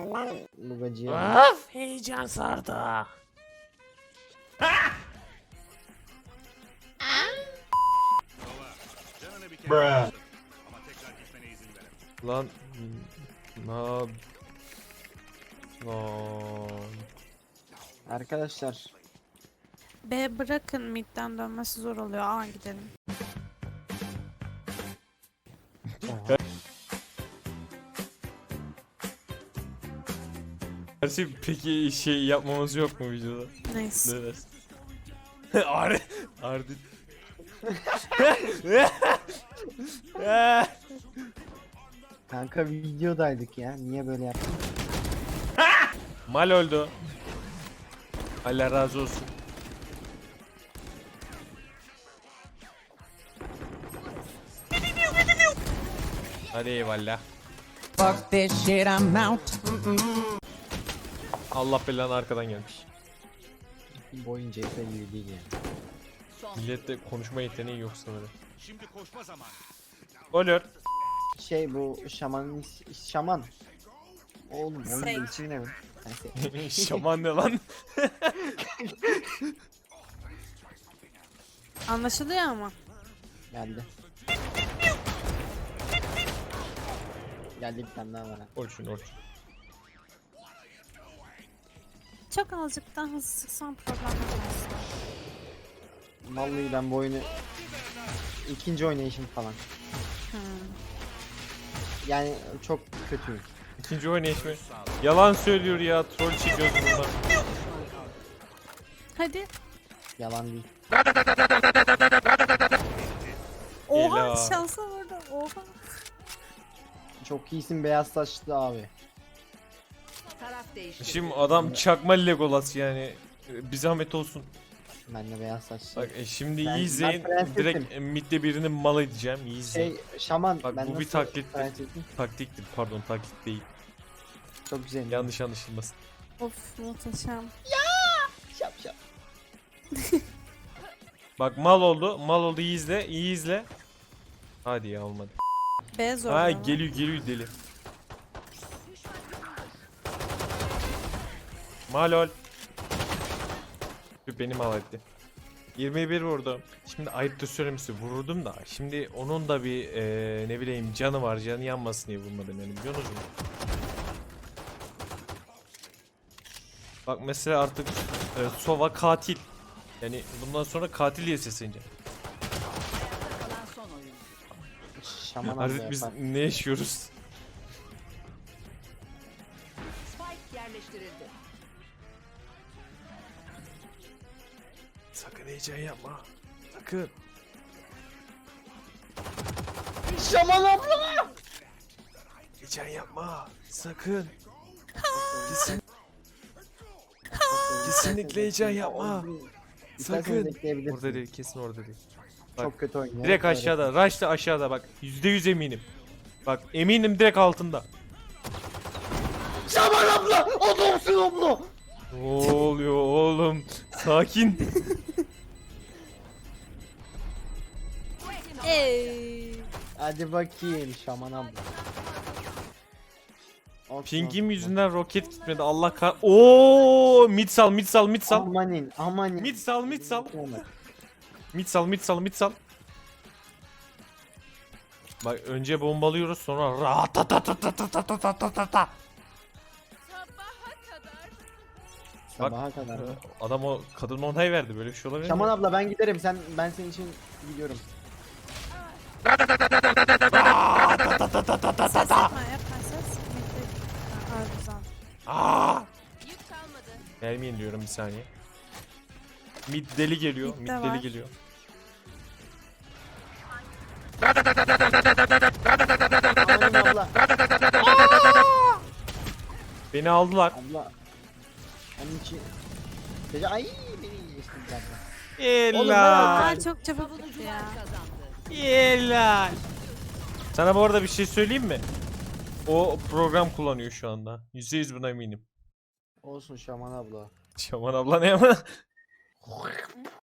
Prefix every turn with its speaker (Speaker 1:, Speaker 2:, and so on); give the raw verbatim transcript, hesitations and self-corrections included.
Speaker 1: lan Lugacıya.
Speaker 2: Of, heyecan sardı.
Speaker 3: Bruh.
Speaker 2: Lan na lan.
Speaker 1: Arkadaşlar
Speaker 4: B bırakın, midden dönmesi zor oluyor. A gidelim.
Speaker 2: Gerçi peki şey yapmamız yok mu videoda?
Speaker 4: Neyse.
Speaker 2: Ne dersin? Ardi. Ardi.
Speaker 1: kanka videodaydık ya. Niye böyle yaptın?
Speaker 2: Mal oldu. Allah razı olsun. Hadi eyvallah.
Speaker 5: Fuck this shit, I'm out.
Speaker 2: Allah belanı arkadan gelmiş.
Speaker 1: Bu oyun C S gibi değil yani.
Speaker 2: Millette konuşma yeteneği yok sanırım. Şimdi koşma zamanı. Olur.
Speaker 1: Şey bu şamanın is- şaman. Oğlum oyun
Speaker 4: Şey.
Speaker 1: ismi ne mi? Neyse.
Speaker 2: Şaman ne lan?
Speaker 4: Anlaşılıyor ama.
Speaker 1: Geldi. Geldi bir tane daha var. ha.
Speaker 2: Orçun Orçun.
Speaker 4: Çok azıcık daha hızlı sıksam problem olmaz.
Speaker 1: Vallahi ben bu oyunu ikinci oynayışım falan.
Speaker 4: Hmm.
Speaker 1: Yani çok kötüyüm.
Speaker 2: İkinci oynayış mı? Yalan söylüyor ya, troll çekiyoruz bundan.
Speaker 4: Hadi.
Speaker 1: Yalan değil.
Speaker 4: Oha,
Speaker 2: Ela.
Speaker 4: şansa vurdu. Oha.
Speaker 1: Çok iyisin beyaz saçlı abi.
Speaker 6: Taraf değişti.
Speaker 2: Şimdi adam çakma Legolas yani. Bir zahmet olsun.
Speaker 1: Ben de beyaz saçlı.
Speaker 2: Bak e, şimdi
Speaker 1: Ben-
Speaker 2: iyi izleyin.
Speaker 1: ben prensesim.
Speaker 2: Direkt e, midde birinin mal edeceğim. İyi izleyin.
Speaker 1: Şey şaman.
Speaker 2: Bak,
Speaker 1: ben
Speaker 2: bu bir
Speaker 1: nasıl
Speaker 2: taklittir.
Speaker 1: prensesim?
Speaker 2: Taktiktir, pardon taktik değil.
Speaker 1: Çok güzel.
Speaker 2: Yanlış anlaşılmasın.
Speaker 4: Of, muhteşem.
Speaker 1: Şap şap.
Speaker 2: Bak mal oldu. Mal oldu, iyi izle. İyi izle. Hadi ya, olmadı.
Speaker 4: B zor.
Speaker 2: Ha
Speaker 4: ama.
Speaker 2: geliyor geliyor deli. Malol. Beni mal etti. yirmi bir vurdum. Şimdi ayıptır söylemesi vururdum da. Şimdi onun da bir eee, ne bileyim canı var. Canı yanmasın diye vurmadım yani, biliyorsunuz mu? Bak mesela artık e, Sova katil. Yani bundan sonra katil diye sesleneceğim.
Speaker 6: Kalan son oyun.
Speaker 1: Şaman abla
Speaker 2: Artık biz
Speaker 1: yapar.
Speaker 2: ne yaşıyoruz?
Speaker 6: Spike yerleştirildi.
Speaker 2: Sakın heyecan yapma. Sakın.
Speaker 1: Şaman abla.
Speaker 2: Heyecan yapma. Sakın. Kesin, kesinlikle heyecan yapma.
Speaker 1: İsterseniz
Speaker 2: Sakın.
Speaker 1: bekleyebilirsiniz.
Speaker 2: Orada değil, kesin orada değil. Bak,
Speaker 1: Çok kötü oynuyor.
Speaker 2: Direkt
Speaker 1: Öyle.
Speaker 2: aşağıda. Rush da aşağıda bak. yüzde yüz eminim. Bak eminim direkt altında.
Speaker 1: Şaman abla! Adamsın abla!
Speaker 2: Ne oluyor oğlum? Sakin.
Speaker 4: Ey.
Speaker 1: Hadi bakayım Şaman abla. Olsun,
Speaker 2: Pingim
Speaker 1: olsun.
Speaker 2: yüzünden roket gitmedi. Allah kah... Oo, mid sal, mid sal, mid sal.
Speaker 1: Amanin, amanin.
Speaker 2: Mid sal, mid sal. Mid sal, mid sal, mid sal. Bak önce bombalıyoruz, sonra rahatatatatatatatata.
Speaker 1: Sabaha kadar. mı?
Speaker 2: Adam o kadın onay verdi, böyle bir şey olabilir mi?
Speaker 1: Şaman abla ben giderim. Sen ben senin için gidiyorum.
Speaker 4: Ses yapma, yapma ses. Midde. Ha, güzel.
Speaker 2: Aa! Gelmeyin diyorum bir saniye. Mid deli geliyor,
Speaker 4: Mid
Speaker 2: mid
Speaker 4: de
Speaker 2: deli
Speaker 4: var.
Speaker 2: geliyor.
Speaker 1: Amanin abla.
Speaker 2: Beni aldılar.
Speaker 1: Abla. Onun için. Gece ay beni geçti bir dakika.
Speaker 2: Helal.
Speaker 4: Aa, çok çabuk bitti ya.
Speaker 6: Kazandı.
Speaker 2: Helal. Sana bu arada bir şey söyleyeyim mi? O program kullanıyor şu anda. yüzde yüz buna eminim.
Speaker 1: Olsun Şaman abla.
Speaker 2: Şaman abla ne ama?